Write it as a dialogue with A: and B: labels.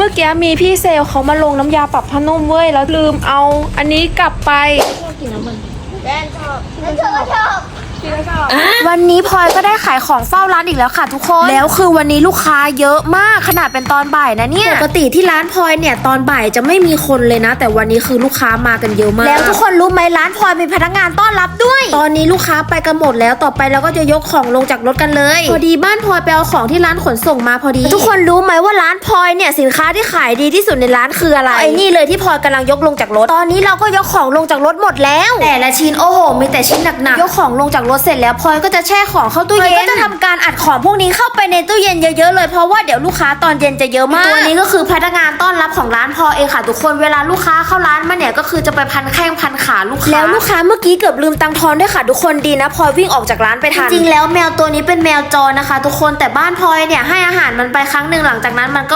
A: อกี้มีพี่เซลเขามาลงน้ำยาปรับผ้านุ่มเว้ยแล้วลืมเอาอันนี้กลับไปวันนี้พลอยก็ได้ขายของเฝ้าร้านอีกแล้วค่ะทุกคนแล้วคือวันนี้ลูกค้าเยอะมากขนาดเป็นตอนบ่ายนะเนี่ยปกติที่ร้านพลอยเนี่ยตอนบ่ายจะไม่มีคนเลยนะแต่วันนี้คือลูกค้ามากันเยอะมากแล้วทุกคนรู้ไหมร้านพลอยมีพนักงานต้อนรับด้วยตอนนี้ลูกค้าไปกันหมดแล้วต่อไปเราก็จะยกของลงจากรถกันเลยพอดีบ้านพลอยไปเอาของที่ร้านขนส่งมาพอดีทุกคนรู้ไหมว่าร้านพลอยเนี่ยสินค้าที่ขายดีที่สุดในร้านคืออะไรไอ้นี่เลยที่พลอยกำลังยกลงจากรถตอนนี้เราก็ยกของลงจากรถหมดแล้วแต่ละชิ้นโอ้โหมีแต่ชิ้นหนักๆยกของลงจากรถเสร็จแล้วพลอยก็จะแช่ของเข้าตู้เย็นก็จะทำการอัดของพวกนี้เข้าไปในตู้เย็นเยอะๆเลยเพราะว่าเดี๋ยวลูกค้าตอนเย็นจะเยอะมากตัวนี้ก็คือพนักงานต้อนรับของร้านพลอยเองค่ะทุกคนเวลาลูกค้าเข้าร้านมาเนี่ยก็คือจะไปพันแข้งพันขาลูกค้าแล้วลูกค้าเมื่อกี้เกือบลืมตังทอนด้วยค่ะทุกคนดีนะพลอยวิ่งออกจากร้านไปทันจริงๆแล้วแมวตัวนี้เป็นแมวจรนะคะทุกคนแต่บ้านพลอยเนี่ยให้อาหารมันไปครั้งหนึ่งหลังจากนั้นมันก็